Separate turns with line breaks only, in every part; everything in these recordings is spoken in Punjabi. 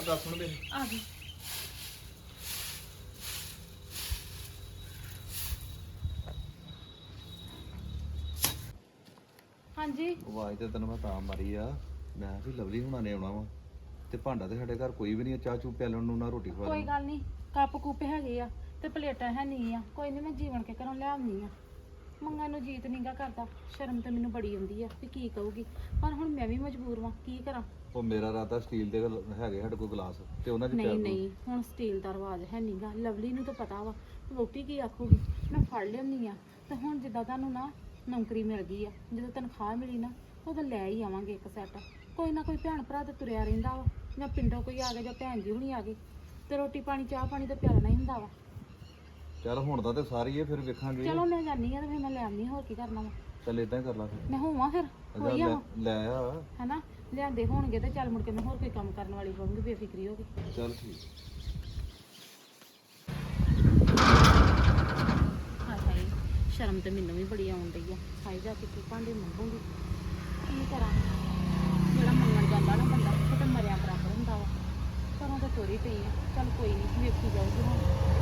ਗੱਲ ਸੁਣ ਮੇਰੀ।
ਆ ਗਈ। ਹਾਂਜੀ
ਆਵਾਜ਼ ਤੇ ਤੈਨੂੰ ਮੈਂ ਤਾਂ ਮਾਰੀ ਆ, ਮੈਂ ਵੀ ਲਵਲੀ ਹੁਣਾਂ ਨੇ ਆਉਣਾ ਵਾ ਤੇ ਭਾਂਡਾ ਤੇ ਸਾਡੇ ਘਰ ਕੋਈ ਵੀ ਨਹੀਂ, ਚਾਹ ਚੂ ਪਿਆਲਣ ਨੂੰ ਨਾ ਰੋਟੀ ਖਵਾ
ਕੋਈ
ਲੈਣ।
ਗੱਲ ਨਹੀਂ, ਕੱਪ ਕੁੱਪ ਹੈਗੇ ਆ ਤੇ ਪਲੇਟਾਂ ਹੈ ਨਹੀਂ ਆ, ਕੋਈ ਨਹੀਂ ਮੈਂ ਜੀਵਨ ਕੇ ਘਰੋਂ ਲਿਆਉਣੀ ਆ। ਮੰਗਾਂ ਨੂੰ ਜੀਤ ਨਹੀਂਗਾ ਕਰਦਾ, ਸ਼ਰਮ ਤੇ ਮੈਨੂੰ ਬੜੀ ਆਉਂਦੀ ਆ ਵੀ ਕੀ ਕਹੂਗੀ, ਪਰ ਹੁਣ ਮੈਂ ਵੀ ਮਜਬੂਰ ਵਾਂ, ਕੀ ਕਰਾਂ।
ਉਹ ਮੇਰਾ ਰਾਤਾ ਸਟੀਲ ਦੇ ਹੈਗੇ ਸਾਡੇ ਕੋਲ ਗਲਾਸ ਤੇ ਉਹਨਾਂ 'ਚ ਪਿਆ
ਨਹੀਂ
ਦਿਓ।
ਨਹੀਂ, ਹੁਣ ਸਟੀਲ ਦਾ ਰਿਵਾਜ ਹੈ ਨਹੀਂਗਾ, ਲਵਲੀ ਨੂੰ ਤਾਂ ਪਤਾ ਵਾ ਰੋਟੀ ਕੀ ਆਖੂਗੀ। ਮੈਂ ਫੜ ਲਿਆਉਂਦੀ ਆ ਤੇ ਹੁਣ ਜਿੱਦਾਂ ਤੁਹਾਨੂੰ ਨਾ ਨੌਕਰੀ ਮਿਲ ਗਈ ਆ, ਜਦੋਂ ਤਨਖਾਹ ਮਿਲੀ ਨਾ ਉਦੋਂ ਲੈ ਹੀ ਆਵਾਂਗੇ ਇੱਕ ਸੈੱਟ। ਕੋਈ ਨਾ ਕੋਈ ਭੈਣ ਭਰਾ ਤੇ ਤੁਰਿਆ ਰਹਿੰਦਾ ਵਾ, ਜਾਂ ਪਿੰਡੋਂ ਕੋਈ ਆ ਗਿਆ ਜਾਂ ਭੈਣ ਜੀ ਹੁਣੀ ਆ ਗਏ ਤੇ ਰੋਟੀ ਪਾਣੀ ਚਾਹ ਪਾਣੀ ਤਾਂ ਪਿਆਲਣਾ ਹੀ ਹੁੰਦਾ ਵਾ।
ਚੱਲ ਹੁਣ ਦਾ ਤੇ ਸਾਰੀ ਹੈ, ਫਿਰ ਵੇਖਾਂਗੇ।
ਚਲੋ ਮੈਂ ਜਾਨੀ ਆ ਤੇ ਫਿਰ ਮੈਂ ਲੈ ਆਉਂਦੀ, ਹੋਰ ਕੀ ਕਰਨਾ ਵਾ।
ਚੱਲ ਇਦਾਂ ਹੀ ਕਰ ਲਾ ਫਿਰ।
ਮੈਂ ਹੋਵਾਂ ਫਿਰ ਹੋਈ ਆ
ਲੈ ਆ।
ਹੈਨਾ, ਲਿਆਂਦੇ ਹੋਣਗੇ ਤੇ ਚੱਲ ਮੁੜ ਕੇ ਮੈਂ ਹੋਰ ਕੋਈ ਕੰਮ ਕਰਨ ਵਾਲੀ ਹੋਵਾਂਗੀ, ਬੇਫਿਕਰੀ ਹੋ ਗਈ।
ਚੱਲ ਠੀਕ।
ਹਾਏ ਹਾਏ, ਸ਼ਰਮ ਤੇ ਮੈਨੂੰ ਵੀ ਬੜੀ ਆਉਣ ਡਈ ਆ। ਹਾਏ ਜਾ ਕੇ ਕੀ ਭਾਂਡੇ ਮੰਗੂਗੀ, ਕੀ ਕਰਾਂ। ਜਿਹੜਾ ਮੰਗਣ ਜਾਂਦਾ ਨਾ ਬੰਦਾ ਉਹ ਤਾਂ ਮਰਿਆ ਬਰਾਬਰ ਹੁੰਦਾ ਵਾ। ਘਰੋਂ ਤਾਂ ਤੋਰੀ ਪਈ ਆ, ਚੱਲ ਕੋਈ ਨਹੀਂ, ਵੇਖੀ ਜਾਊਗੀ ਹੁਣ।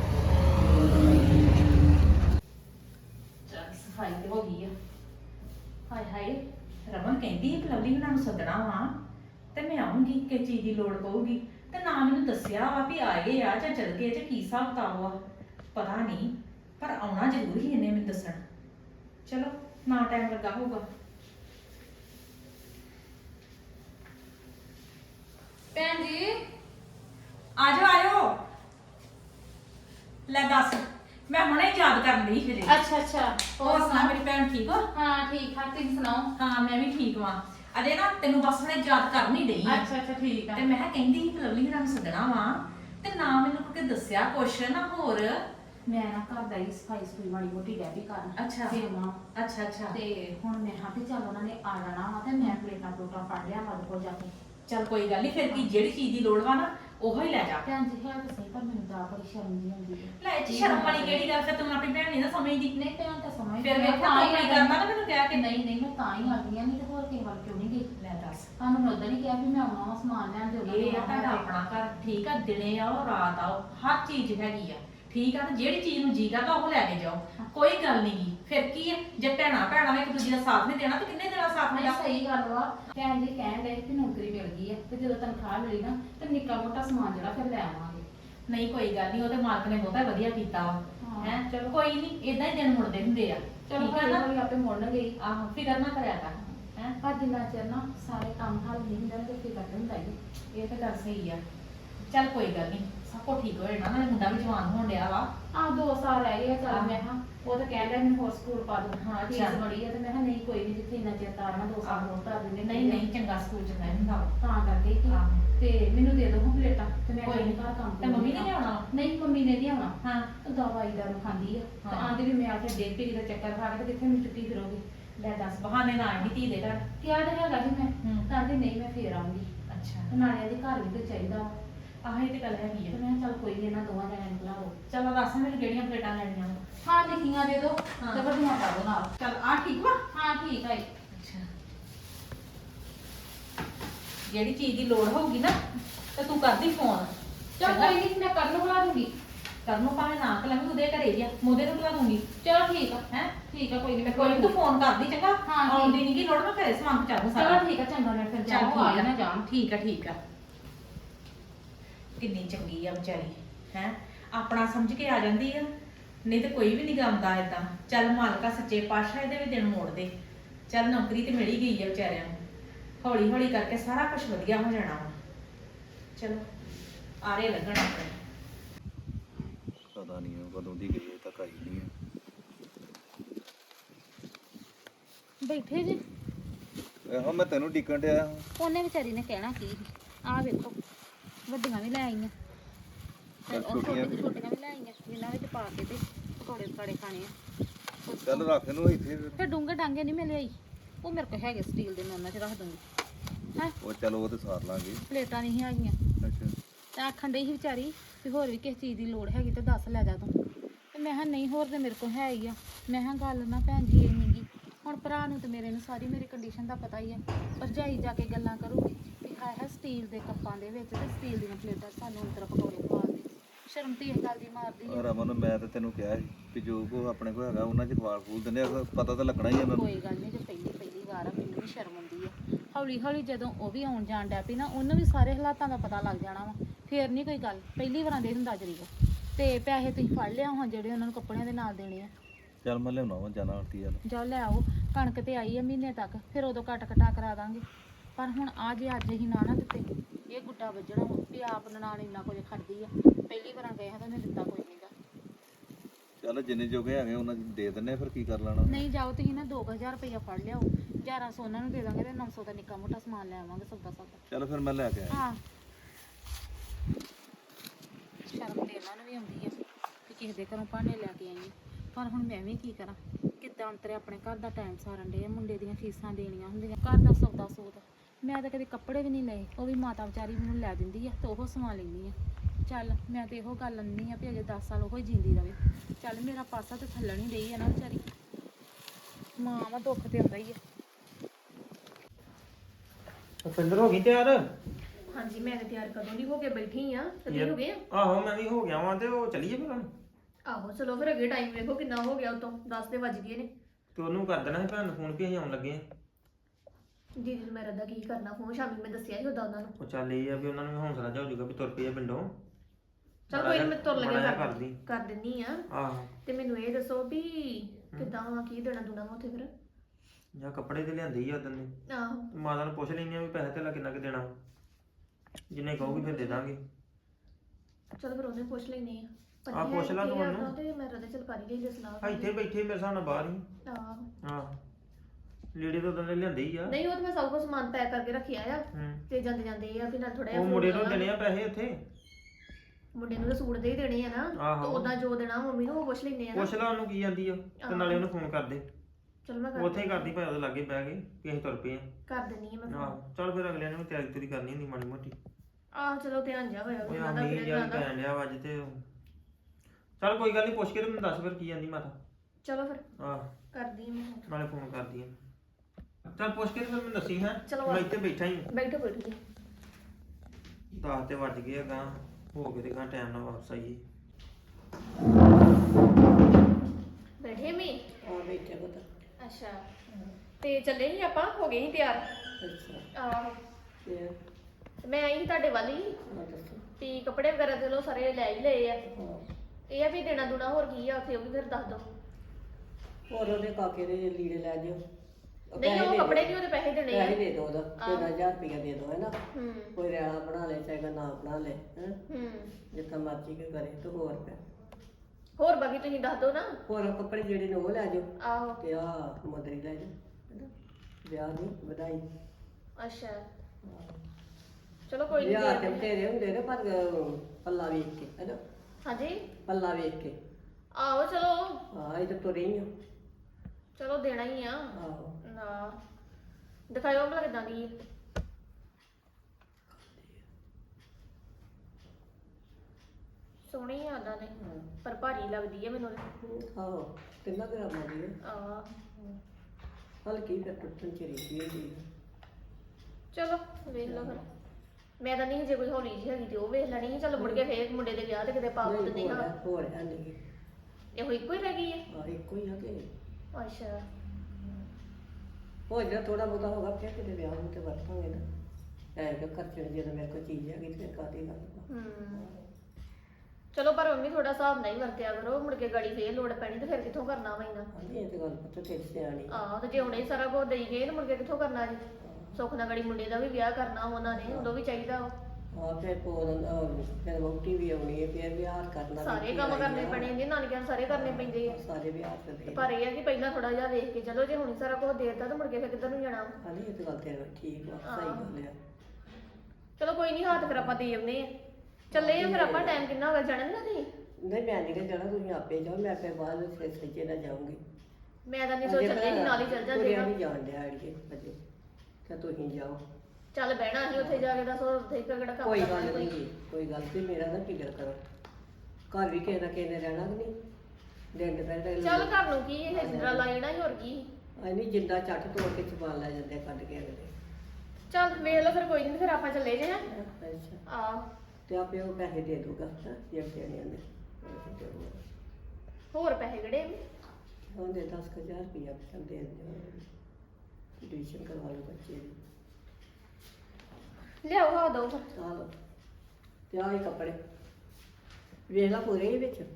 ਚੱਲ ਸਫਾਈ ਤੇ ਹੋ ਗਈ ਆ। ਹਾਏ ਹਾਏ, ਰਮਨ ਕਹਿੰਦੀ ਸੀ ਕਿ ਲਵਲੀ ਹੁਣਾਂ ਨੂੰ ਸੱਦਣਾ ਵਾ ਤੇ ਮੈਂ ਆਉਂਗੀ, ਕਿ ਚੀਜ਼ ਦੀ ਲੋੜ ਪਊਗੀ ਤੇ ਨਾ ਮੈਨੂੰ ਦੱਸਿਆ ਵਾ ਵੀ ਆਏ ਆ ਜਾਂ ਚਲ ਗਏ ਜਾਂ ਕੀ ਹਿਸਾਬ ਕਿਤਾਬ ਵਾ, ਪਤਾ ਨਹੀਂ, ਪਰ ਆਉਣਾ ਜ਼ਰੂਰ ਹੀ ਇਹਨੇ ਮੈਨੂੰ ਦੱਸਣ। ਚਲੋ ਨਾ ਟਾਈਮ ਲੱਗਾ ਹੋਊਗਾ। ਭੈਣ ਜੀ ਆਜੋ ਆਜੋ। ਲੈ ਦੱਸ, ਮੈਂ ਹੁਣੇ ਯਾਦ ਕਰਨ ਲਈ ਫਿਰ।
ਅੱਛਾ ਅੱਛਾ,
ਹੋਰ ਸੁਣਾ ਮੇਰੀ ਭੈਣ, ਠੀਕ ਹੋ?
ਹਾਂ ਠੀਕ ਠਾਕ, ਤੁਸੀਂ ਸੁਣਾਓ।
ਹਾਂ ਮੈਂ ਵੀ ਠੀਕ ਵਾਂ। ਅਜੇ ਨਾ ਤੈਨੂੰ ਬਸ ਹੁਣੇ ਯਾਦ ਕਰ ਨਹੀਂ ਡਈ ਆ।
ਅੱਛਾ ਠੀਕ ਆ।
ਤੇ ਮੈਂ ਕਿਹਾ ਕਹਿੰਦੀ ਸੀ ਕਿ ਲਵਲੀ ਹੁਣਾਂ ਨੂੰ ਸੱਦਣਾ ਵਾ ਤੇ ਨਾ ਮੈਨੂੰ ਕੋਈ ਦੱਸਿਆ ਕੁਛ ਨਾ ਹੋਰ।
ਮੈਂ ਨਾ ਘਰ ਦਾ ਹੀ ਸਫਾਈ ਸਫੂਈ ਮਾੜੀ ਮੋਟੀ ਰਹਿ ਵੀ ਕਰਨ।
ਅੱਛਾ।
ਤੇ ਉਹਨਾਂ
ਅੱਛਾ ਅੱਛਾ,
ਤੇ ਹੁਣ ਮੈਂ ਹਾਂ ਵੀ ਚੱਲ ਉਹਨਾਂ ਨੇ ਆ ਜਾਣਾ ਵਾ ਤੇ ਮੈਂ ਪਲੇਟਾਂ ਪਲੂਟਾਂ ਫੜ ਲਿਆ ਮਦ ਕੋਲ ਜਾ ਕੇ।
ਚੱਲ ਕੋਈ ਗੱਲ ਨਹੀਂ, ਫਿਰ ਕੀ ਜਿਹੜੀ ਚੀਜ਼ ਦੀ ਲੋੜ ਵਾ ਨਾ ਉਹੋ ਹੀ ਲੈ ਜਾ।
ਭੈਣ ਜੀ ਹੈ ਤਾਂ ਸਹੀ, ਪਰ ਮੈਨੂੰ ਤਾਂ ਬੜੀ ਸ਼ਰਮ ਜਿਹੀ ਆਉਂਦੀ ਹੈ।
ਲੈ ਇਹ 'ਚ ਸ਼ਰਮ ਵਾਲੀ ਕਿਹੜੀ ਗੱਲ, ਫਿਰ ਤੂੰ ਆਪਣੀ ਭੈਣ ਨਹੀਂ ਨਾ ਸਮਝਦੀ।
ਨਹੀਂ ਭੈਣ ਤਾਂ ਸਮਝ
ਫਿਰ ਵੇਖਿਆ ਤੂੰ ਕੀ ਕਰਨਾ ਨਾ ਮੈਨੂੰ ਕਹਿ ਕੇ।
ਨਹੀਂ ਨਹੀਂ, ਮੈਂ ਤਾਂ ਹੀ ਆ ਗਈ ਆ, ਨਹੀਂ ਤੇ ਹੋਰ ਕਿਸੇ ਵੱਲ ਕਿਉਂ ਨਹੀਂ ਗਈ।
ਲੈ ਦੱਸ,
ਤੁਹਾਨੂੰ ਮੈਂ ਉਦੋਂ ਨਹੀਂ ਕਿਹਾ ਵੀ ਮੈਂ ਆਉਣਾ ਵਾ ਸਮਾਨ ਲੈਣ ਦੇ ਉਹਨਾਂ
ਇਹ ਆ ਤੁਹਾਡਾ ਆਪਣਾ ਘਰ, ਠੀਕ ਆ, ਦਿਨੇ ਆਓ ਰਾਤ ਆਓ ਹਰ ਚੀਜ਼ ਹੈਗੀ ਆ, ਠੀਕ ਆ। ਤੇ ਜਿਹੜੀ ਚੀਜ਼ ਨੂੰ ਜੀ ਕਰਦਾ ਉਹ ਲੈ ਕੇ ਜਾਓ, ਕੋਈ ਗੱਲ ਨਹੀਂ ਗੀ। ਫਿਰ ਕੀ ਹੈ, ਜੇ ਭੈਣਾਂ ਭੈਣਾਂ ਇੱਕ ਦੂਜੇ ਦਾ ਸਾਥ ਨਹੀਂ ਦੇਣਾ ਤੇ ਕਿੰਨੇ ਦੇਣਾ ਸਾਥ
ਨਹੀਂ
ਮੇਰਾ।
ਸਹੀ ਗੱਲ ਵਾ। ਭੈਣ ਜੀ ਕਹਿਣ ਡਏ ਕਿ ਨੌਕਰੀ ਮਿਲ ਗਈ ਹੈ ਤੇ ਜਦੋਂ ਤਨਖਾਹ ਮਿਲੀ ਨਾ ਤੇ ਨਿੱਕਾ ਮੋਟਾ ਸਮਾਨ ਜਿਹੜਾ ਫਿਰ ਲੈ ਆਵਾਂਗੇ।
ਨਹੀਂ ਕੋਈ ਗੱਲ ਨਹੀਂ, ਉਹਦੇ ਮਾਲਕ ਨੇ ਬਹੁਤਾ ਵਧੀਆ ਕੀਤਾ ਵਾ।
ਹਾਂ।
ਹੈ ਚਲੋ ਕੋਈ ਨਹੀਂ, ਇਦਾਂ ਹੀ ਦਿਨ ਮੁੜਦੇ ਹੁੰਦੇ ਆ।
ਚਲੋ
ਠੀਕ ਆ
ਹੌਲੀ
ਨਾ?
ਹੌਲੀ ਆਪੇ ਮੁੜਨਗੇ ਹੀ।
ਆਹੋ, ਫਿਕਰ ਨਾ ਕਰਿਆ ਕਰ। ਹੈ
ਪਰ ਜਿੰਨਾ ਚਿਰ ਨਾ ਸਾਰੇ ਕੰਮ ਹੱਲ ਨਹੀਂ ਹੁੰਦੇ ਤੇ ਫਿਕਰ ਤਾਂ ਹੁੰਦਾ ਹੀ ਹੈ।
ਇਹ ਤਾਂ ਗੱਲ ਸਹੀ ਆ। ਚੱਲ ਕੋਈ ਗੱਲ ਨਹੀਂ, ਸਭ ਕੁਝ ਠੀਕ ਹੋ ਜਾਣਾ। ਨਾਲੇ ਮੁੰਡਾ ਵੀ ਜਵਾਨ ਹੋਣ ਡਿਆ ਵਾ।
ਆਹ 2 ਸਾਲ ਰਹਿ ਗਏ ਆ। ਚੱਲ
ਹਾਂ।
ਮੈਂ ਹਾਂ ਉਹ ਤਾਂ ਕਹਿ ਰਿਹਾ ਮੈਨੂੰ ਹੋਰ ਸਕੂਲ ਪਾ ਦੋ।
ਹਾਂ,
ਫੀਸ
ਚੱਲ।
ਬੜੀ ਹੈ ਤੇ ਮੈਂ ਕਿਹਾ ਨਹੀਂ ਕੋਈ ਨਹੀਂ, ਜਿੱਥੇ ਇੰਨਾ ਚਿਰ ਤਾਰਨਾ 2 ਸਾਲ ਹੋਰ ਤਾਰ ਦਿੰਦੇ।
ਨਹੀਂ ਨਹੀਂ, ਚੰਗਾ ਸਕੂਲ ਚ ਨਹੀਂ ਹੁੰਦਾ ਵਾ।
ਤਾਂ ਕਰਕੇ ਕਿ
ਆਹੋ।
ਤੇ ਮੈਨੂੰ ਦੇ ਦੋ ਹਾਂ ਪਲੇਟਾਂ ਤੇ ਮੈਂ
ਕੋਈ
ਕੋਈ
ਨੀ।
ਘਰ ਕੰਮ
ਤੇ ਮੰਮੀ ਨੇ ਲਿਆਉਣਾ ਵਾ?
ਨਹੀਂ ਮੰਮੀ ਨੇ ਨਹੀਂ ਆਉਣਾ।
ਹਾਂ
ਦਵਾਈ ਦਾ ਖਾਂਦੀ ਆ ਤੇ
ਹਾਂ।
ਆਂਦੇ ਵੀ ਮੈਂ ਆ ਕੇ ਡੇਢ ਪੀੜੀ ਦਾ ਚੱਕਰ ਖਾ ਕੇ ਤੇ ਕਿੱਥੇ ਨੂੰ ਚੁੱਕੀ ਫਿਰੋਗੀ।
ਲੈ ਦੱਸ, ਬਹਾਨੇ ਨਾ ਆਈ ਧੀ ਦੇ ਘਰ।
ਕਿਹਾ ਤਾਂ ਹੈਗਾ ਸੀ ਮੈਂ,
ਹੂੰ।
ਤਾਂ ਕਹਿੰਦੀ ਨਹੀਂ ਮੈਂ ਫੇਰ ਆਉਂਗੀ।
ਅੱਛਾ,
ਤੇ ਨਾਲੇ ਇਹਦੇ ਘਰ ਵੀ ਤੇ ਚਾਹੀਦਾ ਵਾ।
ਆਹ ਇਹ ਤੇ ਗੱਲ ਹੈਗੀ
ਤੇ
ਆ।
ਮੈਂ ਕਿਹਾ ਚੱਲ ਕੋਈ ਨੀ, ਇਹਨਾਂ ਦੋਵਾਂ ਜਣਿਆਂ ਨੂੰ ਬੁਲਾ ਲਓ।
ਚਲੋ ਦੱਸ ਮੈਨੂੰ ਕਿਹੜੀਆਂ ਪਲੇਟਾਂ ਲੈਣੀਆਂ ਵਾ?
ਹਾਂ ਲਿਖੀਆਂ ਦੇ ਦੋ
ਹਾਂ।
ਤੇ ਵੱਡੀਆਂ ਪਾ ਦੋ ਨਾਲ।
ਚੱਲ ਆ ਠੀਕ ਵਾ।
ਹਾਂ ਠੀਕ ਹੈ।
ਅੱਛਾ, ਜਿਹੜੀ ਚੀਜ਼ ਦੀ ਲੋੜ ਹੋਊਗੀ ਨਾ ਤੇ ਤੂੰ ਕਰਦੀ ਫੋਨ।
ਚਲ ਕੋਈ ਨਹੀਂ, ਮੈਂ ਕਰਨ ਨੂੰ ਬੁਲਾ ਦੂੰਗੀ।
ਕਰਨ ਨੂੰ ਭਾਵੇਂ ਨਾ ਕਲਾਂਗੀ, ਤੂੰ ਦੇ ਘਰੇ ਜਾ, ਮੋਦੇ ਨੂੰ ਬੁਲਾ ਦੂੰਗੀ।
ਚਲੋ ਠੀਕ ਆ।
ਹੈ
ਠੀਕ ਆ, ਕੋਈ ਨਹੀਂ ਮੈਂ
ਕੋਈ ਨੀ, ਤੂੰ ਫੋਨ ਕਰਦੀ ਚੰਗਾ।
ਹਾਂ, ਠੀਕ।
ਆਉਂਦੀ ਨਹੀਂ ਗੀ ਲੋੜ, ਮੈਂ ਘਰੇ ਸਮਾਨ ਪਹੁੰਚਾਉਂ ਸਾਰਾ।
ਚਲੋ ਠੀਕ ਆ, ਚੰਗਾ ਮੈਂ ਫਿਰ
ਚੱਲ
ਜਾऊँ ਆ ਨਾ ਜਾਣ।
ਠੀਕ ਆ ਠੀਕ ਆ। ਕਿੰਨੀ ਚੰਗੀ ਆ ਵਿਚਾਰੀ, ਹੈ ਆਪਣਾ ਸਮਝ ਕੇ ਆ ਜਾਂਦੀ ਆ, ਨਹੀਂ ਤੇ ਕੋਈ ਵੀ ਨਹੀਂ ਗਾਉਂਦਾ ਏਦਾਂ। ਚੱਲ ਮਾਲਕਾ ਸੱਚੇ ਪਾਤਸ਼ਾਹ ਇਹਦੇ ਵੀ ਦਿਨ ਮੋੜ ਦੇ। ਚੱਲ ਨੌਕਰੀ ਤੇ ਮਿਲ ਹੀ ਗਈ ਆ ਵਿਚਾਰਿਆਂ ਨੂੰ, ਹੌਲੀ ਹੌਲੀ ਕਰਕੇ ਸਾਰਾ ਕੁਝ ਵਧੀਆ ਹੋ ਜਾਣਾ ਵਾ। ਚਲੋ ਆਰੇ ਲੱਗਣ ਆਪਣੇ।
ਪਤਾ ਨਹੀਂ ਉਹ ਕਦੋਂ ਦੀ ਗਈ ਹੈ, ਤੱਕ ਆਈ ਨਹੀਂ ਹੈ।
ਬੈਠੇ ਜੀ।
ਇਹੋ ਮੈਂ ਤੈਨੂੰ ਡਿੱਕਣ ਡਿਆ ਹਾਂ।
ਉਹਨੇ ਵਿਚਾਰੀ ਨੇ ਕਹਿਣਾ ਕੀ? ਆਹ ਵੇਖੋ ਵੱਡੀਆਂ ਵੀ ਲੈ ਆਈਆਂ ਤੇ ਉਹ
ਛੋਟੀਆਂ
ਛੋਟੀਆਂ ਵੀ ਲੈ ਆਈਆਂ, ਜਿਨ੍ਹਾਂ ਵਿੱਚ ਪਾ ਕੇ ਤੇ ਪਕੌੜੇ ਪਕਾੜੇ ਖਾਣੇ ਆ।
ਚੱਲ ਰੱਖ ਇਹਨੂੰ ਇੱਥੇ ਫਿਰ।
ਫਿਰ ਡੂੰਘੇ ਡਾਂਗੇ ਨਹੀਂ ਮੈਂ ਲਿਆਈ, ਉਹ ਮੇਰੇ ਕੋਲ ਹੈਗੇ ਸਟੀਲ ਦੇ, ਮੈਂ ਉਹਨਾਂ 'ਚ ਰੱਖ ਦੂੰਗੀ। ਹੈ
ਉਹ ਚਲੋ ਉਹ ਤੇ ਸਾਰ ਲਾਂਗੇ।
ਪਲੇਟਾਂ ਨਹੀਂ ਹੈਗੀਆਂ
ਅੱਛਾ,
ਤੇ ਆਖਣ ਡਈ ਸੀ ਵਿਚਾਰੀ ਵੀ ਹੋਰ ਵੀ ਕਿਸੇ ਚੀਜ਼ ਦੀ ਲੋੜ ਹੈਗੀ ਤੇ ਦੱਸ ਲੈ ਜਾ ਤੂੰ। ਤੇ ਮੈਂ ਕਿਹਾ ਨਹੀਂ ਹੋਰ ਤੇ ਮੇਰੇ ਕੋਲ ਹੈ ਹੀ ਆ। ਮੈਂ ਕਿਹਾ ਗੱਲ ਨਾ ਭੈਣ ਜੀ ਇਹ ਨਹੀਂਗੀ, ਹੁਣ ਭਰਾ ਨੂੰ ਤੇ ਮੇਰੇ ਨੂੰ ਸਾਰੀ ਮੇਰੀ ਕੰਡੀਸ਼ਨ ਦਾ ਪਤਾ ਹੀ ਆ। ਭਰਜਾਈ ਜਾ ਕੇ ਗੱਲਾਂ ਕਰੂਗੀ ਵੀ ਹਾਏ ਹਾਏ ਸਟੀਲ ਦੇ ਕੱਪਾਂ ਦੇ ਵਿੱਚ ਤੇ ਸਟੀਲ ਦੀਆਂ ਪਲੇਟਾਂ 'ਚ ਸਾਨੂੰ ਅੰਦਰ ਪਕੌੜੇ ਖਵਾਉਂਦੇ। ਸ਼ਰਮ ਤੇ ਇਸ ਗੱਲ ਦੀ ਮਾਰਦੀ ਆ।
ਰਮਨ ਮੈਂ ਤਾਂ ਤੈਨੂੰ ਕਿਹਾ ਸੀ ਕਿ ਜੋ ਕੋ ਆਪਣੇ ਕੋਲ ਹੈਗਾ ਉਹਨਾਂ 'ਚ ਖਵਾਲ ਖੂਲ ਦਿੰਦੇ ਆ, ਪਤਾ ਤਾਂ ਲੱਗਣਾ ਹੀ ਉਹਨਾਂ ਨੂੰ।
ਕੋਈ ਗੱਲ ਨਹੀਂ, ਜੇ ਪਹਿਲੀ ਵਾਰ ਆ ਮੈਨੂੰ ਵੀ ਸ਼ਰਮ ਆਉਂਦੀ ਆ। ਹੌਲੀ ਹੌਲੀ ਜਦੋਂ ਉਹ ਵੀ ਆਉਣ ਜਾਣ ਡੈ ਪਈ ਨਾ, ਉਹਨੂੰ ਵੀ ਸਾਰੇ ਹਾਲਾਤਾਂ ਦਾ ਪਤਾ ਲੱਗ ਜਾਣਾ ਵਾ। ਫੇਰ ਨਹੀਂ ਕੋਈ ਗੱਲ, ਪਹਿਲੀ ਵਾਰਾਂ ਦੇ ਹੁੰਦਾ ਜਰੀਗਾ। ਤੇ ਪੈਸੇ ਤੁਸੀਂ ਫੜ ਲਿਆ ਹਾਂ ਜਿਹੜੇ ਉਹਨਾਂ ਨੂੰ ਕੱਪੜਿਆਂ ਦੇ ਨਾਲ ਦੇਣੇ ਆ।
ਚੱਲ ਮੈਂ ਲਿਆਉਣਾ ਵਾ ਜਾਣਾ ਆਂਟੀ ਯਾਰ।
ਜਾ ਲੈ ਆਓ, ਕਣਕ ਤੇ ਆਈ ਆ ਮਹੀਨੇ ਤੱਕ, ਫਿਰ ਉਦੋਂ ਕੱਟ ਕਟਾ ਕਰਾ ਦਾਂਗੇ। ਪਰ ਹੁਣ ਆ ਜੇ ਅੱਜ ਹੀ ਨਾ ਦਿੱਤੇ, ਇਹ ਗੁੱਡਾ ਵੱਜਣਾ ਵਾ ਵੀ ਆਪ ਨਨਾਣ ਇੰਨਾ ਕੁਝ ਖੜਦੀ ਆ। ਪਹਿਲੀ ਵਾਰਾਂ ਗਏ ਹਾਂ ਤਾਂ ਉਹਨੇ ਦਿੱਤਾ ਕੋਈ ਨਹੀਂਗਾ।
ਚੱਲ ਜਿੰਨੇ ਜੋਗੇ ਹੈਗੇ ਉਹਨਾਂ ਨੂੰ ਦੇ ਦਿੰਨੇ, ਫਿਰ ਕੀ ਕਰ ਲੈਣਾ।
ਨਹੀਂ ਜਾਓ ਤੁਸੀਂ ਨਾ 2000 ਰੁਪਇਆ ਫੜ ਲਿਆਓ, 1100 ਉਹਨਾਂ ਨੂੰ ਦੇ ਦਾਂਗੇ ਤੇ 900 ਦਾ ਨਿੱਕਾ ਮੋਟਾ ਸਮਾਨ ਲੈ ਆਵਾਂਗੇ ਸੌਦਾ ਸੌਦਾ।
ਚੱਲ ਫਿਰ ਮੈਂ ਲੈ ਕੇ ਆਇਆ।
ਹਾਂ ਸ਼ਰਮ ਤੇ ਇਹਨਾਂ ਨੂੰ ਵੀ ਆਉਂਦੀ ਆ ਕਿ ਕਿਸੇ ਦੇ ਘਰੋਂ ਭਾਂਡੇ ਲੈ ਕੇ ਆਈ। ਪਰ ਹੁਣ ਮੈਂ ਵੀ ਕੀ ਕਰਾਂ, ਕਿੱਦਾਂ ਅੰਤਰੇ ਆਪਣੇ ਘਰ ਦਾ ਟਾਈਮ ਸਾਰਨ ਡੇ, ਮੁੰਡੇ ਦੀਆਂ ਫੀਸਾਂ ਦੇਣੀਆਂ ਹੁੰਦੀਆਂ, ਘਰ ਦਾ ਸੌਦਾ ਸੂਤ। ਮੈਂ ਤਾਂ ਕਦੇ ਕੱਪੜੇ ਵੀ ਨਹੀਂ ਲਏ, ਉਹ ਵੀ ਮਾਤਾ ਵਿਚਾਰੀ ਮੈਨੂੰ ਲੈ ਦਿੰਦੀ ਆ ਤੇ ਉਹ ਸਵਾ ਲੈਂਦੀ ਆ। ਚੱਲ ਮੈਂ ਤੇ ਇਹੋ ਗੱਲ ਅੰਨੀ ਆ ਵੀ ਅਜੇ 10 ਸਾਲ ਉਹ ਹੀ ਜਿੰਦੀ ਰਵੇ। ਚੱਲ ਮੇਰਾ ਪਾਸਾ ਤੇ ਥੱਲਣ ਹੀ ਡਈ ਆ ਨਾ ਵਿਚਾਰੀ, ਮਾਂ ਵਾ ਦੁੱਖ ਤੇ ਆਉਂਦਾ ਹੀ ਆ।
ਪਿੰਦਰ ਹੋ ਗਈ ਤਿਆਰ?
ਹਾਂਜੀ ਮੈਂ ਤੇ ਤਿਆਰ ਕਦੋਂ ਦੀ ਹੋ ਕੇ ਬੈਠੀ ਆ। ਕਦੀ ਹੋ ਗਏ ਆ?
ਆਹੋ ਮੈਂ ਵੀ ਹੋ ਗਿਆ ਵਾਂ ਤੇ ਉਹ ਚੱਲੀਏ ਫਿਰ ਹੁਣ।
ਆਹੋ ਚਲੋ ਫਿਰ ਅੱਗੇ ਟਾਈਮ ਵੇਖੋ ਕਿੰਨਾ ਹੋ ਗਿਆ, ਉਤੋਂ 10 ਦੇ ਵੱਜ ਗਏ ਨੇ।
ਤੇ ਉਹਨੂੰ ਕਰ ਦੇਣਾ ਸੀ ਭੈਣ ਨੂੰ ਫੋਨ ਵੀ ਅਸੀਂ ਆਉਣ ਲੱਗੇ ਆਂ।
ਦੀਦੀ ਨੂੰ ਮੇਰਾ ਦਾ ਕੀ ਕਰਨਾ ਫੋਨ, ਸ਼ਾਮੀ ਮੈਂ ਦੱਸਿਆ ਸੀ ਉਦਾਂ ਉਹਨਾਂ ਨੂੰ।
ਉਹ ਚੱਲ ਇਹ ਆ ਵੀ ਉਹਨਾਂ ਨੂੰ ਵੀ ਹੌਸਲਾ ਜਾ ਹੋ ਜਾਊਗਾ ਵੀ ਤੁਰ ਪਈ ਆ ਪਿੰਡੋਂ।
ਚਲ ਕੋਈ ਨੀ, ਮੈਂ ਤੁਰ
ਮਾੜਾ ਜਿਹਾ
ਲੱਗਿਆ
ਕਰਦੀ।
ਕਰ ਦਿੰਨੀ ਆ।
ਆਹੋ
ਤੇ ਮੈਨੂੰ ਇਹ ਦੱਸੋ ਵੀ ਕਿੱਦਾਂ ਕੀ ਦੇਣਾ ਦੁਣਾ ਵਾ ਉੱਥੇ ਫਿਰ?
ਜਾਂ ਕੱਪੜੇ ਤੇ ਲਿਆਂਦੇ ਹੀ ਆ ਉਦੋਂ ਨੇ।
ਆਹੋ
ਮਾਤਾ ਨੂੰ ਪੁੱਛ ਲੈਂਦੇ ਆ ਵੀ ਪੈਸੇ ਤੇ ਕਿੰਨਾ ਕੁ ਦੇਣਾ, ਜਿੰਨੇ ਕਹੂਗੀ ਫਿਰ ਦੇ ਦਾਂਗੇ।
ਚਲੋ ਫਿਰ ਉਹਨੇ ਪੁੱਛ ਲੈਨੇ ਆ। ਪਰ
ਆਹ, ਪੁੱਛ ਲਾ ਤੂੰ ਉਹਨੂੰ।
ਤੇ ਮੈਂ ਰਦੇ ਚਲ ਕਰ ਹੀ ਲਈ ਸਲਾਹ।
ਇੱਥੇ ਬੈਠੇ ਮੇਰੇ ਹਿਸਾਬ ਨਾਲ ਬਾਹਰ ਹੀ।
ਆਹੋ
ਆਹ ਲੀੜੇ ਤਾਂ ਉਦੋਂ ਦੇ ਲਿਆਂਦੇ ਹੀ ਆ।
ਨਹੀਂ ਉਹ ਤਾਂ ਮੈਂ ਸਭ ਕੁਝ ਸਮਾਨ ਪੈਕ ਕਰਕੇ ਰੱਖਿਆ ਆ।
ਹੂੰ
ਤੇ ਜਾਂਦੇ ਜਾਂਦੇ ਆ ਵੀ ਨਾਲ ਥੋੜਾ ਜਿਹਾ
ਉਹ ਮੁੰਡੇ ਨੂੰ ਦੇਣੇ ਆ ਪੈਸੇ ਉੱਥੇ।
ਮੁੰਡੇ ਨੂੰ ਤਾਂ ਸੂਟ ਦੇ ਹੀ ਦੇਣੇ ਆ ਨਾ।
ਆਹੋ।
ਤੇ ਉਦਾਂ ਜੋ ਦੇਣਾ ਮੰਮੀ ਨੂੰ ਉਹ ਪੁੱਛ ਲੈਨੇ ਆ ਨਾ।
ਪੁੱਛ ਲਾ ਉਹਨੂੰ ਕੀ ਜਾਂਦੀ ਆ ਤੇ ਨਾਲੇ ਉਹਨੂੰ ਫੋਨ ਕਰ ਦੇ।
ਚਲ ਮੈਂ
ਉੱਥੇ ਹੀ ਕਰਦੀ ਭਾਵੇਂ ਉਹਦੇ ਲਾਗੇ ਬਹਿ ਕੇ ਕਿ ਅਸੀਂ ਤੁਰ ਪਏ
ਕਰ ਦਿੰਨੀ ਆ ਮੈਂ
ਆ। ਆਹੋ ਚੱਲ ਫਿਰ ਅਗਲੇ ਨੇ ਵੀ ਤਿਆਰੀ ਤੁਰੀ ਕਰਨੀ ਹੁੰਦੀ ਮਾੜੀ ਮੋਟੀ।
ਆਹ ਚਲੋ ਧਿਆਨ ਜਾ ਹੋਇਆ
ਓਏ
ਉਹਨਾਂ
ਆ
ਦਾ
ਮੀਂਹ
ਫਿਰ
ਜਿਹਾ
ਜਾਂਦਾ।
ਪੈਣ ਡਿਆ ਵਾ ਅੱਜ ਤੇ। ਚੱਲ ਕੋਈ ਗੱਲ ਨਹੀਂ, ਪੁੱਛ ਕੇ ਤੇ ਮੈਨੂੰ ਦੱਸ ਫਿਰ ਕੀ ਜਾਂਦੀ ਮਾਤਾ।
ਚਲੋ ਫਿਰ
ਆਹ
ਕਰਦੀ ਆ ਮੈਂ।
ਨਾਲੇ ਫੋਨ ਕਰਦੀ ਆ। ਚੱਲ ਪੁੱਛ ਕੇ ਤੇ ਫਿਰ ਮੈਨੂੰ ਦੱਸੀ ਹੈ।
ਚਲੋ
ਮੈਂ ਇੱਥੇ ਬੈਠਾ ਹੀ।
ਬੈਠੋ ਬੈਠੋ ਜੀ।
10 ਤੇ ਵੱਜ ਗਏ ਅਗਾਂ ਹੋ ਕੇ ਤੇ ਗਾਂ ਟਾਈਮ ਨਾਲ ਵਾਪਸ ਆਈਏ।
ਬੈਠੇ ਮੀ?
ਆ ਬੈਠੇ ਪੁੱਤ।
ਅੱਛਾ ਤੇ ਚੱਲੇ ਹੀ ਆਪਾਂ, ਹੋ ਗਏ ਹੀ ਤਿਆਰ।
ਅੱਛਾ
ਆਹੋ
ਫਿਰ
ਤੇ ਮੈਂ ਆਈ ਸੀ ਤੁਹਾਡੇ ਵੱਲ ਹੀ
ਆ ਦੱਸੋ।
ਵੀ ਕੱਪੜੇ ਵਗੈਰਾ ਚਲੋ ਸਾਰੇ ਲੈ ਹੀ ਲਏ ਆ।
ਹਾਂ
ਇਹ ਆ ਵੀ ਦੇਣਾ ਦੁਣਾ ਹੋਰ ਕੀ ਆ ਉੱਥੇ, ਉਹ ਵੀ ਫਿਰ ਦੱਸ ਦੋ।
ਹੋਰ ਉਹਦੇ ਕਾਕੇ ਦੇ ਲੀੜੇ ਲੈ ਜਿਓ।
ਨਹੀਂ ਉਹ ਕੱਪੜੇ ਨਹੀਂ, ਉਹਦੇ ਪੈਸੇ ਦੇਣੇ ਆ।
ਪੈਸੇ ਦੇ ਦੋ ਉਹਦਾ 3000 ਰੁਪਇਆ ਦੇ ਦੋ ਹੈ ਨਾ।
ਹੂੰ
ਕੋਈ ਰੈਲਾ ਬਣਾ ਲੈ ਚਾਹੇ ਨਾ ਬਣਾ ਲੈ ਹੈ,
ਹੂੰ
ਜਿੱਦਾਂ ਮਰਜ਼ੀ ਕੋਈ ਕਰੇ ਤੇ ਹੋਰ ਪੈ
ਹੋਰ ਬਾਕੀ ਤੁਸੀਂ ਦੱਸ ਦੋ ਨਾ।
ਹੋਰ ਕੱਪੜੇ ਜਿਹੜੇ ਨੇ ਉਹ ਲੈ ਜਿਓ
ਆਹੋ
ਤੇ ਆ ਮੁੰਦਰੀ ਲੈ ਜਿਓ ਹੈਨਾ, ਵਿਆਹ ਦੀ ਵਧਾਈ।
ਅੱਛਾ ਚਲੋ ਕੋਈ ਨਹੀਂ
ਵਿਆਹ ਤੇ ਤੇਰੇ ਹੁੰਦੇ ਨੇ ਪਰ ਪੱਲਾ ਵੇਖ ਕੇ ਹੈਨਾ,
ਹਾਂਜੀ
ਪੱਲਾ ਵੇਖ ਕੇ।
ਆਹੋ ਚਲੋ
ਹਾਂ ਇਹ ਤਾਂ ਤੁਰੇ ਹੀ ਆ।
ਚਲੋ ਦੇਣਾ ਹੀ ਆ।
ਆਹੋ
ਨਾ ਦਿਖਾਇਓ ਭਲਾ ਕਿਦਾਂ ਦੀ ਹੈ। ਸੋਹਣੀ ਆ ਉਹਨਾਂ ਨੇ ਪਰ ਭਾਰੀ ਲੱਗਦੀ ਹੈ ਮੈਨੂੰ ਤੇ।
ਆਹੋ ਕਿੰਨਾ ਗ੍ਰਾਮਾਂ ਦੀ ਹੈ?
ਆ
ਹਲਕੀ ਫਿਰ ਟੁੱਟਣ ਚ ਰਹੀ ਹੁੰਦੀ ਹੈ।
ਚਲੋ ਵੇਖ ਲਓ ਫਿਰ। ਮੈਂ ਤਾਂ ਨਹੀਂ ਜੇ ਕੋਈ ਹੌਲੀ ਜਿਹੀ ਹੈਗੀ ਤੇ ਉਹ ਵੇਖ ਲੈਣੀ ਸੀ। ਚਲੋ ਮੁੜ ਕੇ ਫੇਰ ਮੁੰਡੇ ਦੇ ਵਿਆਹ ਤੇ ਕਿਤੇ ਪਾ ਪੁੱਤ ਨਹੀਂ ਨਾ।
ਹੋਰ ਹੈ ਨਹੀਂ।
ਇਹੋ ਇੱਕੋ ਹੀ ਰਹਿ ਗਈ ਹੈ?
ਆ ਇੱਕੋ ਹੀ ਆ ਕਿ
ਅੱਛਾ
ਹੋ ਜਾ ਥੋੜਾ ਬਹੁਤਾ ਹੋਗਾ ਫਿਰ ਕਿਤੇ ਵਿਆਹ ਨੂੰ ਤੇ ਵਰਤਾਂਗੇ ਨਾ। ਐ ਕਿ ਖਰਚੇ ਜਦੋਂ ਮੇਰੇ ਕੋਲ ਚੀਜ਼ ਹੈਗੀ ਤੇ ਫਿਰ ਕਾਹਦੀ ਗੱਲ।
ਚਲੋ ਪਰ ਮੰਮੀ ਥੋੜਾ ਹਿਸਾਬ ਨਹੀਂ ਵਰਤਿਆ ਕਰੋ, ਮੁੜ ਕੇ ਗਾੜੀ ਫੇਰ ਲੋੜ ਪੈਣੀ ਤੇ ਫਿਰ ਕਿੱਥੋਂ ਕਰਨਾ ਵਾ ਇੰਨਾ।
ਹਾਂਜੀ ਇਹ ਤੇ ਗੱਲ ਪਤਾ ਤੇਰੀ ਸਿਆਣੀ।
ਆਹ ਤੇ ਜੇ ਹੁਣੇ ਹੀ ਸਾਰਾ ਕੁਝ ਦੇਈ ਗਏ ਤੇ ਮੁੜ ਕੇ ਕਿੱਥੋਂ ਕਰਨਾ ਜੀ? ਸੁੱਖ ਨਾਲ ਗਾੜੀ ਮੁੰਡੇ ਦਾ ਵੀ ਵਿਆਹ ਕਰਨਾ ਉਹਨਾਂ ਨੇ, ਉਦੋਂ ਵੀ ਚਾਹੀਦਾ ਵਾ।
ਆ ਫਿਰ ਫਿਰ ਵਹੁਟੀ ਵੀ ਆਉਣੀ ਹੈ, ਫਿਰ ਵਿਆਹ ਕਰਨਾ।
ਸਾਰੇ ਕੰਮ ਕਰਨੇ ਪੈਣੇ ਨੇ, ਨਾਨਕਿਆਂ ਨੂੰ ਸਾਰੇ ਕਰਨੇ ਪੈਂਦੇ ਆ।
ਸਾਰੇ ਵਿਆਹ ਕਰਦੇ।
ਪਰ ਇਹ ਆ ਕਿ ਪਹਿਲਾਂ ਥੋੜਾ ਜਿਹਾ ਵੇਖ ਕੇ ਚਲੋ, ਜੇ ਹੁਣ ਹੀ ਸਾਰਾ ਕੁਝ ਦੇਤਾ ਤਾਂ ਮੁੜ ਕੇ ਫਿਰ ਕਿੱਧਰ ਨੂੰ ਜਾਣਾ ਵਾ?
ਹਾਂਜੀ ਇਹ ਤੇ ਗੱਲ ਤੇਰੀ ਠੀਕ ਆ, ਸਹੀ ਗੱਲ ਆ।
ਚਲੋ ਕੋਈ ਨਹੀਂ, ਹੱਥ ਫਿਰ ਆਪਾਂ ਦੇ ਆਉਂਦੇ ਆ। ਚੱਲੇ ਆ ਫਿਰ ਆਪਾਂ। ਟਾਈਮ ਕਿੰਨਾ ਹੋ ਗਿਆ ਜਾਣਾ ਨਾ ਤੁਸੀਂ?
ਨਹੀਂ ਮੈਂ ਨਹੀਂ ਕਿ ਜਾਣਾ, ਤੁਸੀਂ ਆਪੇ ਜਾਓ, ਮੈਂ ਫਿਰ ਬਾਅਦ ਵਿੱਚ ਸੱਚੇ ਨਾਲ ਜਾਊਂਗੀ।
ਮੈਂ ਤਾਂ ਨਹੀਂ ਸੋ ਚੱਲੇ ਸੀ, ਨਾਲ ਹੀ ਚੱਲ ਜਾਂਦੇ
ਤੁਰਿਆ
ਨਾ।
ਨਹੀਂ ਜਾਣ ਡਿਆ ਅੜੀਏ ਅਜੇ, ਤੇ ਤੁਸੀਂ ਜਾਓ।
ਚੱਲ ਬਹਿਣਾ ਸੀ ਉੱਥੇ ਜਾ ਕੇ, ਦੱਸੋ ਉੱਥੇ ਕਿਹੜਾ ਕੰਮ
ਕੋਈ
ਕਰਨਾ
ਗੱਲ
ਕੋਈ?
ਨਹੀਂ, ਕੋਈ ਗੱਲ ਨਹੀਂ, ਮੇਰਾ ਨਾ ਫਿਕਰ ਕਰੋ। ਘਰ ਵੀ ਕਿਸੇ ਨਾ ਕਿਸੇ ਨੇ ਰਹਿਣਾ ਕਿ ਨਹੀਂ, ਦਿਨ ਦੁਪਹਿਰ
ਚੱਲ ਘਰ ਨੂੰ ਕੀ ਇਹ ਜਿੰਦਰਾ ਲਾ ਜਾਣਾ ਸੀ, ਹੋਰ ਕੀ?
ਨਹੀਂ ਜਿੰਦਾ ਚੱਟ ਤੋੜ ਕੇ ਚਪਾਲ ਲੈ ਜਾਂਦੇ ਕੱਢ ਕੇ ਅਗਲੇ।
ਚੱਲ ਵੇਖ ਲਓ ਫਿਰ, ਕੋਈ ਨਹੀਂ, ਫਿਰ ਆਪਾਂ ਚੱਲੇ ਜੇ ਹੈਂ।
ਅੱਛਾ
ਆ
ਤੇ ਆਪੇ ਉਹ ਪੈਸੇ ਦੇ ਦੂਗਾ ਜੇ ਦੇਣੇ ਨੇ ਪੈਸੇ ਦੇ ਦੂਗਾ।
ਹੋਰ ਪੈਸੇ ਕਿਹੜੇ ਆ?
ਉਹਦੇ 10,000 ਰੁਪਇਆ ਪਸੰਦ ਦੇ ਦਿਓ, ਐਡਮਿਸ਼ਨ ਕਰਵਾ ਲਓ ਬੱਚੇ ਦੀ।
ਲਿਆਓ ਆ ਦੋ ਫਿਰ।
ਆ ਲਓ ਤੇ ਆਹ ਹੀ ਕੱਪੜੇ ਵੇਖ ਲਾ ਪੂਰੇ ਹੀ ਵਿੱਚ।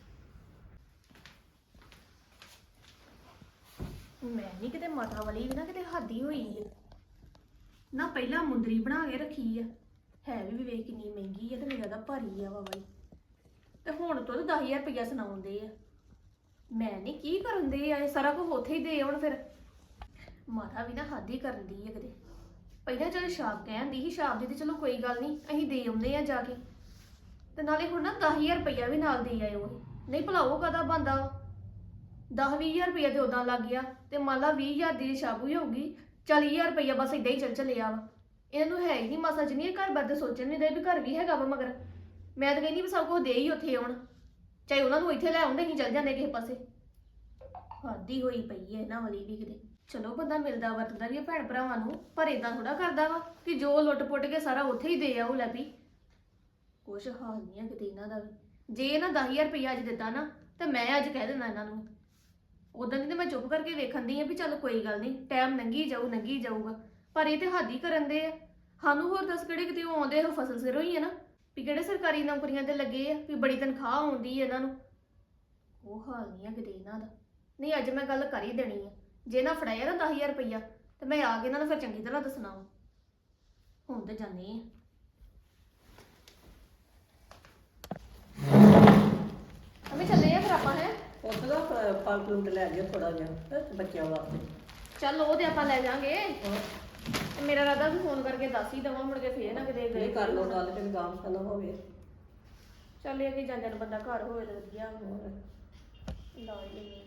ਮੈਂ ਨਹੀਂ ਕਿਤੇ ਮਾਤਾ ਵਾਲੀ ਵੀ ਨਾ ਕਿਤੇ ਹਾਦੀ ਹੋਈ ਹੈ ਨਾ, ਪਹਿਲਾਂ ਮੁੰਦਰੀ ਬਣਾ ਕੇ ਰੱਖੀ ਆ, ਹੈ ਵੀ ਵੇਖ ਕਿੰਨੀ ਮਹਿੰਗੀ ਆ ਤੇ ਮੇਰਾ ਤਾਂ ਭਾਰੀ ਆ ਵਾ ਬਾਈ, ਤੇ ਹੁਣ ਤੋਂ 10,000 ਰੁਪਇਆ ਸੁਣਾਉਂਦੇ ਆ। ਮੈਂ ਨਹੀਂ ਕੀ ਕਰਨ ਦੇ ਆ, ਇਹ ਸਾਰਾ ਕੁਝ ਉੱਥੇ ਹੀ ਦੇ ਆਉਣ ਫਿਰ। ਮਾਤਾ ਵੀ ਨਾ ਹਾਦੀ ਕਰਨ ਦੀ ਆ ਕਿਤੇ। ਪਹਿਲਾਂ ਚਲ ਸ਼ਾਪ ਕਹਿੰਦੀ ਸੀ, ਸ਼ਾਪ ਦੀ ਤੇ ਚਲੋ ਕੋਈ ਗੱਲ ਨਹੀਂ, ਅਸੀਂ ਦੇ ਆਉਂਦੇ ਆ ਜਾ ਕੇ, ਤੇ ਨਾਲੇ ਹੁਣ ਨਾ 10,000 ਰੁਪਇਆ ਵੀ ਨਾਲ ਦੇ ਆਇਓ। ਨਹੀਂ ਭਲਾ ਉਹ ਕਦਾ ਬੰਦਾ 10-20,000 ਰੁਪਇਆ ਤੇ ਉਦਾਂ ਲੱਗ ਗਿਆ, ਤੇ ਮੰਨ ਲਾ 20,000 ਦੀ ਸ਼ਾਪ ਹੀ ਹੋਊਗੀ, 40,000 ਰੁਪਇਆ ਬਸ ਇਦਾਂ ਹੀ ਚੱਲਿਆ ਵਾ। ਇਹਨਾਂ ਨੂੰ ਹੈ ਹੀ ਨਹੀਂ ਮਾਸਾ ਜਿੰਨੀ ਘਰ ਬਾਰੇ ਸੋਚਣ ਨਹੀਂ ਦੇ ਵੀ ਘਰ ਵੀ ਹੈਗਾ ਵਾ ਮਗਰ। ਮੈਂ ਤਾਂ ਕਹਿੰਦੀ ਵੀ ਸਭ ਕੁਝ ਦੇ ਹੀ ਉੱਥੇ ਆਉਣ, ਚਾਹੇ ਉਹਨਾਂ ਨੂੰ ਇੱਥੇ ਲੈ ਆਉਂਦੇ ਅਸੀਂ ਚੱਲ ਜਾਂਦੇ ਕਿਸੇ ਪਾਸੇ। ਹਾਦੀ ਹੋਈ ਪਈ ਹੈ ਇਹਨਾਂ ਵਾਲੀ ਵੀ ਕਿਤੇ। ਚਲੋ ਬੰਦਾ ਮਿਲਦਾ ਵਰਤਦਾ ਵੀ ਹੈ ਭੈਣ ਭਰਾਵਾਂ ਨੂੰ, ਪਰ ਇਦਾਂ ਥੋੜਾ ਕਰਦਾ ਵਾ ਕਿ ਜੋ ਲੁੱਟ ਪੁੱਟ ਕੇ ਸਾਰਾ ਉੱਥੇ ਹੀ ਦੇ ਆਉ ਲੈ ਵੀ। ਕੁਛ ਹਾਲ ਨਹੀਂ ਹੈ ਕਿਤੇ ਇਹਨਾਂ ਦਾ ਵੀ। ਜੇ ਇਹਨਾਂ 10,000 ਰੁਪਇਆ ਅੱਜ ਦਿੱਤਾ ਨਾ, ਤੇ ਮੈਂ ਅੱਜ ਕਹਿ ਦੇਣਾ ਇਹਨਾਂ ਨੂੰ। ਉਦੋਂ ਦੀ ਤੇ ਮੈਂ ਚੁੱਪ ਕਰਕੇ ਵੇਖਣ ਦੀ ਆ ਵੀ ਚੱਲ ਕੋਈ ਗੱਲ ਨਹੀਂ, ਟਾਈਮ ਲੰਘੀ ਜਾਊਗਾ, ਪਰ ਇਹ ਤੇ ਹਾਦੀ ਕਰਨ ਦੇ ਆ। ਸਾਨੂੰ ਹੋਰ ਦੱਸ ਕਿਹੜੇ ਕਿਤੇ ਉਹ ਆਉਂਦੇ ਆ ਫਸਲ ਸਿਰੋਂ ਹੀ ਹੈ ਨਾ, ਵੀ ਕਿਹੜੇ ਸਰਕਾਰੀ ਨੌਕਰੀਆਂ ਤੇ ਲੱਗੇ ਆ ਵੀ ਬੜੀ ਤਨਖਾਹ ਆਉਂਦੀ ਹੈ ਇਹਨਾਂ ਨੂੰ। ਉਹ ਹਾਲ ਨਹੀਂ ਆ ਕਿਤੇ ਇਹਨਾਂ ਦਾ। ਨਹੀਂ ਅੱਜ ਮੈਂ ਗੱਲ ਕਰ ਹੀ ਦੇਣੀ ਆ, ਜੇ ਨਾ ਫੜਾਇਆ ਨਾ 10,000 ਰੁਪਇਆ ਤੇ ਮੈਂ ਆ ਕੇ ਇਹਨਾਂ ਨੂੰ ਫਿਰ ਚੰਗੀ ਤਰ੍ਹਾਂ ਦੱਸਣਾ ਵਾ। ਹੁਣ ਤੇ ਜਾਣੀ ਆ। ਅਮੀ ਚੱਲੇ ਆ ਫਿਰ ਆਪਾਂ ਹੈ।
ਉਸ ਦਾ ਫਲ ਫਰੂਟ ਲੈ ਜਿਓ ਥੋੜਾ ਜਿਹਾ ਬੱਚਿਆਂ ਵਾਸਤੇ।
ਚੱਲ ਉਹ ਤੇ ਆਪਾਂ ਲੈ ਜਾਾਂਗੇ। ਮੇਰਾ ਰਾਦਾ ਵੀ ਫੋਨ ਕਰਕੇ ਦੱਸ ਹੀ ਦਵਾਂ, ਮੁੜ ਕੇ ਫੇਰ ਨਾ ਕਿਤੇ
ਇਹ ਕਰ ਲਓ ਗੱਲ, ਤੇ ਗਾਮ ਖਾਨਾ ਹੋਵੇ।
ਚੱਲ ਇਹ ਕਿ ਜਾਂਦੇ ਨੂੰ ਬੰਦਾ ਘਰ ਹੋਵੇ ਤਾਂ ਵਧੀਆ ਹੋਰ ਲਾ ਹੀ ਲੈਣੀ।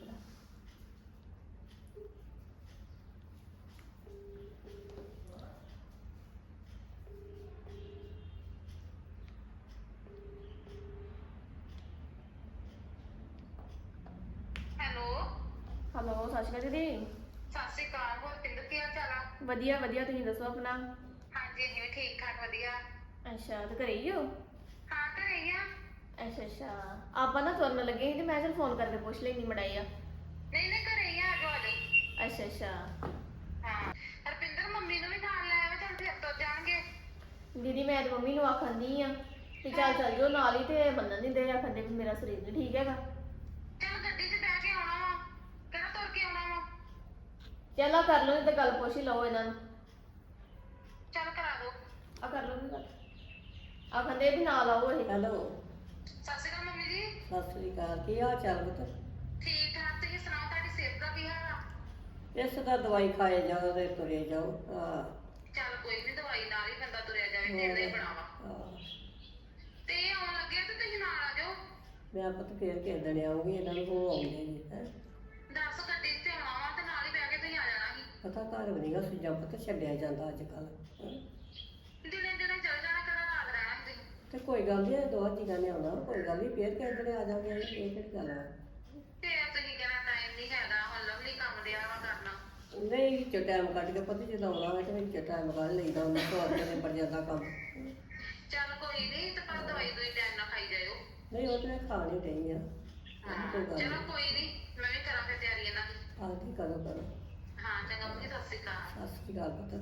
ਹੈਲੋ ਸਤਿ ਸ਼੍ਰੀ ਅਕਾਲ ਦੀਦੀ।
ਸਤਿ ਸ਼੍ਰੀ ਅਕਾਲ। ਹੋਰ ਪਿੰਦਰ ਕੀ ਹਾਲ ਚਾਲ ਆ?
ਵਧੀਆ ਤੁਸੀਂ ਦੱਸੋ ਆਪਣਾ।
ਹਾਂਜੀ ਅਸੀਂ ਵੀ ਠੀਕ ਠਾਕ ਵਧੀਆ।
ਅੱਛਾ ਤੇ ਘਰੇ ਹੀ ਹੋ?
ਹਾਂ ਘਰੇ ਹੀ ਆ।
ਅੱਛਾ ਆਪਾਂ ਨਾ ਤੁਰਨ ਲੱਗੇ ਸੀ ਤੇ ਮੈਂ ਚਲ ਫੋਨ ਕਰਕੇ ਪੁੱਛ ਲੈਣੀ ਮੜਾਈ ਆ।
ਨਹੀਂ ਘਰੇ ਹੀ ਆ, ਆ ਜਾਓ।
ਅੱਛਾ
ਹਾਂ ਹਰਪਿੰਦਰ ਮੰਮੀ ਨੂੰ ਵੀ ਨਾਲ ਲੈ ਆਵੇ, ਚੱਲ ਫਿਰ ਤੁਰ ਜਾਣਗੇ।
ਦੀਦੀ ਮੈਂ ਤੇ ਮੰਮੀ ਨੂੰ ਆਖੰਦੀ ਆ ਕਿ ਚੱਲ ਜਾਓ ਨਾਲ ਹੀ, ਤੇ ਮੰਨਣ ਨਹੀਂ ਦੇ, ਆਖੰਦੇ ਵੀ ਮੇਰਾ ਸਰੀਰ ਨਹੀਂ ਠੀਕ ਹੈਗਾ।
ਚੱਲ ਗੱਡੀ 'ਚ ਬਹਿ ਕੇ ਆਉਣਾ ਵਾ, ਕਿਹੜਾ ਤੁਰ ਕੇ ਆਉਣਾ ਵਾ।
ਚੱਲ ਕਰ ਲਓ, ਤੇ ਗੱਲ ਪੁੱਛ ਹੀ ਲਓ ਇਹਨਾਂ ਨੂੰ।
ਚੱਲ ਕਰਾ ਦੋ।
ਆ ਕਰ ਲਓ ਗੱਲ, ਆਖੰਦੇ ਵੀ ਨਾਲ ਆਓ ਇਹ।
ਹੈਲੋ
ਸਤਿ ਸ਼੍ਰੀ ਅਕਾਲ ਮੰਮੀ ਜੀ।
ਸਤਿ ਸ੍ਰੀ ਅਕਾਲ, ਕੀ ਹਾਲ ਚਾਲ ਪੁੱਤ?
ਠੀਕ ਠਾਕ। ਤੁਸੀਂ ਸੁਣਾਓ, ਤੁਹਾਡੀ ਸਿਹਤ ਦਾ ਕੀ ਹਾਲ ਆ?
ਇਸ ਦਾ ਦਵਾਈ ਖਾਏ ਜਾਓ ਤੇ ਤੁਰੇ ਜਾਓ। ਹਾਂ
ਚੱਲ ਕੋਈ ਨੀ, ਦਵਾਈ ਨਾਲ ਹੀ ਬੰਦਾ ਤੁਰਿਆ ਜਾਵੇ, ਢਿੱਡ ਹੀ ਬਣਾਵਾ। ਤੇ ਇਹ ਆਉਣ ਲੱਗੇ ਤੇ ਤੁਸੀਂ ਨਾਲ ਆ ਜਾਓ।
ਮੈਂ ਪੁੱਤ ਫੇਰ ਕਿਸੇ ਦਿਨ ਆਉਂਗੀ, ਇਹਨਾਂ ਨੂੰ ਹੋ ਆਉਂਦੇ ਜੀ ਹੈ।
ਦੱਸ ਗੱਡੀ 'ਤੇ ਆਉਣਾ ਵਾ ਤੇ ਨਾਲ ਹੀ ਬਹਿ ਕੇ ਤੁਸੀਂ ਆ ਜਾਣਾ ਸੀ।
ਪਤਾ ਘਰ ਵੀ ਨਹੀਂਗਾ ਸੁਝਾ ਪੁੱਤ ਛੱਡਿਆ ਜਾਂਦਾ ਅੱਜ ਕੱਲ।
ਦਿਨੇ ਚੱਲ ਜਾਣਾ, ਕਿਹੜਾ ਰਾਤ ਰਹਿਣਾ ਤੁਸੀਂ।
ਤੇ ਕੋਈ ਗੱਲ ਨਹੀਂ, ਦੋ ਜੀਆਂ ਨੇ ਆਉਣਾ, ਕੋਈ ਗੱਲ ਨਹੀਂ, ਫੇਰ ਕਿਸੇ ਦਿਨ ਆ ਜਾਵਾਂਗੇ। ਇਹ ਕਿਹੜੀ ਗੱਲ ਆ?
ਤੇ ਤੁਸੀਂ ਕਹਿਣਾ ਟਾਈਮ ਨਹੀਂ ਹੈਗਾ, ਹੁਣ ਲਵਲੀ ਕੰਮ ਦਿਆ ਵਾ ਕਰਨਾ।
ਨਹੀਂ ਵਿੱਚੋਂ ਟਾਈਮ ਕੱਢ ਕੇ ਪਤਾ ਜਦੋਂ ਆਉਣਾ ਹੋਵੇ ਤੇ ਵਿੱਚੋਂ ਟਾਈਮ ਕੱਢ ਲਈਦਾ, ਉਹਨਾਂ ਤੋਂ ਅੱਗੇ ਨਿਬੜ ਜਾਂਦਾ ਕੰਮ।
ਚੱਲ ਕੋਈ ਨਹੀਂ, ਤੇ ਪਰ ਦਵਾਈ ਟਾਈਮ ਨਾਲ ਖਾਈ ਜਾਇਓ।
ਨਹੀਂ ਉਹ ਤੇ ਮੈਂ ਖਾ ਨਹੀਂ ਰਹੀ ਆ। ਕੋਈ ਗੱਲ
ਚਲੋ
ਨਹੀਂ,
ਕੋਈ ਨਹੀਂ, ਮੈਂ ਵੀ ਕਰਾਂ ਫਿਰ ਤਿਆਰੀ ਇਹਨਾਂ ਦੀ।
ਆਹ ਕੀ ਕਰੋ।
ਹਾਂ ਚੰਗਾ ਮੰਮੀ, ਸਤਿ ਸ਼੍ਰੀ ਅਕਾਲ।
ਸਤਿ ਸ੍ਰੀ ਅਕਾਲ ਪੁੱਤ।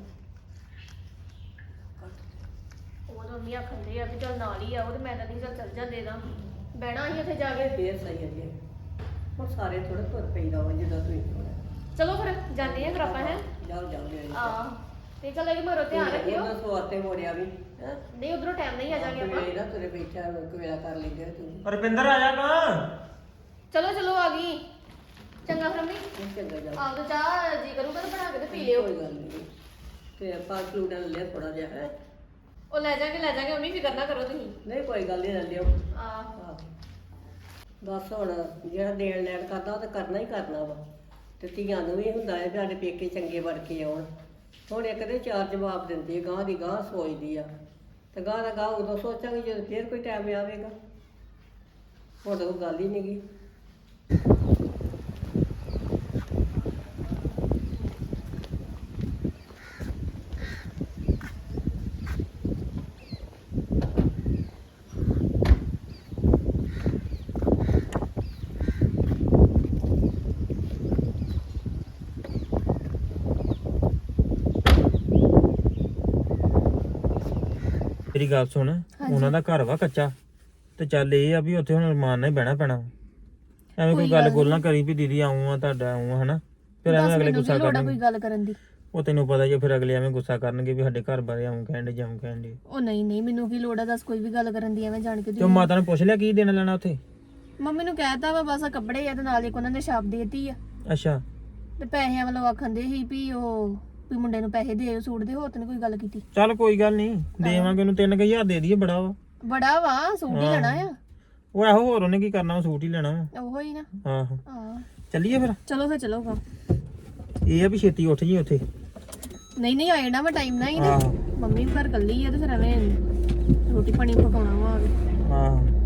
ਉਹ ਤਾਂ ਮੰਮੀ ਆਖੰਦੇ ਆ ਵੀ ਚੱਲ ਨਾਲ ਹੀ ਆਓ, ਤੇ ਮੈਂ ਤਾਂ ਨਹੀਂ ਚੱਲ ਜਾਂਦੇ ਨਾ, ਬਹਿਣਾ ਹੀ ਉੱਥੇ ਜਾ ਕੇ।
ਫੇਰ ਸਹੀ ਹੈ ਜੀ, ਹੁਣ ਸਾਰੇ ਥੋੜੇ ਤੁਰ ਪਈਦਾ ਵਾ ਜਿੱਦਾਂ ਤੁਸੀਂ ਥੋੜਾ।
ਚਲੋ ਫਿਰ ਜਾਂਦੇ ਆ ਫਿਰ ਆਪਾਂ ਹੈ।
ਜਾਓ
ਆਹ ਤੇ ਚੱਲ ਇਹ ਮਰੋ ਧਿਆਨ ਰੱਖਿਓ।
ਉਹਨਾਂ ਸਵਾਤੇ ਮੋੜਿਆ ਵੀ ਹੈ।
ਨਹੀਂ ਉਧਰੋਂ ਟਾਈਮ ਨਹੀਂ ਆ ਜਾਗੇ ਆਪਾਂ।
ਨਾ ਤੁਰੇ ਬੈਠਾ ਕਵੇਲਾ ਕਰ ਲੈਂਦੇ ਤੂੰ।
ਰੁਪਿੰਦਰ ਆ ਜਾ ਗਾ।
ਚਲੋ ਆ ਗਈ। ਚੰਗਾ ਫਿਰ ਮੰਮੀ,
ਚੰਗਾ ਜਾ।
ਆਪ ਤਾਂ ਚਾਹ ਜੀ ਕਰੂਗਾ ਤਾਂ ਬਣਾ ਕੇ ਤੇ ਪੀ ਲਿਓ।
ਕੋਈ ਗੱਲ ਨਹੀਂ, ਤੇ ਆਪਾਂ ਫਲੂਡਾ ਲੈ ਲਿਆ ਥੋੜਾ ਜਿਹਾ ਹੈ।
ਉਹ ਲੈ ਜਾਗੇ ਮੰਮੀ, ਫਿਕਰ ਨਾ ਕਰੋ ਤੁਸੀਂ।
ਨਹੀਂ ਕੋਈ ਗੱਲ ਨਹੀਂ, ਲੈ ਲਿਓ।
ਆਹ
ਬਸ ਹੁਣ ਜਿਹੜਾ ਦੇਣ ਲੈਣ ਕਰਦਾ ਉਹ ਤਾਂ ਕਰਨਾ ਹੀ ਕਰਨਾ ਵਾ, ਤੇ ਧੀਆਂ ਨੂੰ ਵੀ ਹੁੰਦਾ ਹੈ ਵੀ ਸਾਡੇ ਪੇਕੇ ਚੰਗੇ ਬਣ ਕੇ ਆਉਣ। ਹੁਣ ਇੱਕ ਦੇ ਚਾਰ ਜਵਾਬ ਦਿੰਦੀ ਹੈ, ਗਾਂ ਦੀ ਗਾਂ ਸੋਚਦੀ ਆ, ਤੇ ਗਾਂ ਦਾ ਗਾਂ ਉਦੋਂ ਸੋਚਾਂਗੇ ਜਦੋਂ ਫੇਰ ਕੋਈ ਟਾਈਮ ਆਵੇਗਾ। ਹੁਣ ਤਾਂ ਉਹ ਗੱਲ ਹੀ ਨਹੀਂ ਗੀ।
ਮੇਰੀ ਗੱਲ ਸੁਣ ਉਹਨਾਂ ਦਾ ਘਰ ਵਾ ਕੱਚਾ ਤੇ ਚੱਲ ਇਹ ਆ ਵੀ ਉੱਥੇ ਹੁਣ ਰਮਾਨ ਨਾਲ ਹੀ ਬਹਿਣਾ ਪੈਣਾ ਐਵੇਂ ਕੋਈ ਗੱਲ ਗੋਲ ਨਾ ਕਰੀ ਵੀ ਦੀਦੀ ਆਉਂ ਆ ਤੁਹਾਡਾ ਆਉਂ ਆ ਹਨਾ ਫਿਰ ਐਵੇਂ ਅਗਲੇ ਗੁੱਸਾ ਕਰਨਗੇ
ਕੋਈ ਗੱਲ ਕਰਨ ਦੀ
ਉਹ ਤੈਨੂੰ ਪਤਾ ਜੇ ਫਿਰ ਅਗਲੇ ਐਵੇਂ ਗੁੱਸਾ ਕਰਨਗੇ ਵੀ ਸਾਡੇ ਘਰ ਬਾਰੇ ਆਉਂ ਕਹਿੰਦੇ ਜਾਉਂ ਕਹਿੰਦੇ
ਉਹ ਨਹੀਂ ਮੈਨੂੰ ਕੀ ਲੋੜ ਆ ਦੱਸ ਕੋਈ ਵੀ ਗੱਲ ਕਰਨ ਦੀ ਐਵੇਂ ਜਾਣ ਕੇ
ਤੇ ਮਾਤਾ ਨੇ ਪੁੱਛ ਲਿਆ ਕੀ ਦੇਣਾ ਲੈਣਾ ਉੱਥੇ
ਮੰਮੀ ਨੂੰ ਕਹਿਤਾ ਵਾ ਬਸ ਆਹ ਕੱਪੜੇ ਆ ਤੇ ਨਾਲ ਇੱਕ ਉਹਨਾਂ ਨੇ ਛਾਪ ਦੇਤੀ ਆ
ਅੱਛਾ
ਤੇ ਪੈਸਿਆਂ ਵੱਲੋਂ ਆਖੰਦੇ ਸੀ ਵੀ ਮੁੰਡੇ ਨੂੰ ਪੈਸੇ ਦੇ ਸੂਟ ਦੇ ਹੋਰ ਤੇ ਨੀ ਕੋਈ ਗੱਲ ਕੀਤੀ
ਚੱਲ ਕੋਈ ਗੱਲ ਨਹੀਂ ਦੇਵਾਂਗੇ ਉਹਨੂੰ 3000 ਦੇ ਦਈਏ ਬੜਾ ਵਾ
ਬੜਾ ਵਾ ਸੂਟ ਹੀ ਲੈਣਾ ਆ
ਉਹ ਇਹੋ ਹੋਰ ਉਹਨੇ ਕੀ ਕਰਨਾ ਉਹ ਸੂਟ ਹੀ ਲੈਣਾ ਵਾ
ਉਹੋ ਹੀ ਨਾ
ਆਹੋ
ਹਾਂ
ਚੱਲੀਏ ਫਿਰ
ਚਲੋ ਫਿਰ ਚਲੋ ਗਾ
ਇਹ ਆ ਵੀ ਛੇਤੀ ਉੱਠ ਜੀ ਉੱਥੇ
ਨਹੀਂ ਆ ਜਾਣਾ ਵਾ ਟਾਈਮ ਨਾਲ ਹੀ ਨਾ
ਆਹੋ
ਮੰਮੀ ਵੀ ਘਰ ਕੱਲੀ ਆ ਤੇ ਫਿਰ ਐਵੇਂ ਰੋਟੀ ਪਾਣੀ ਪਕਾਉਣਾ ਵਾ
ਆਹੋ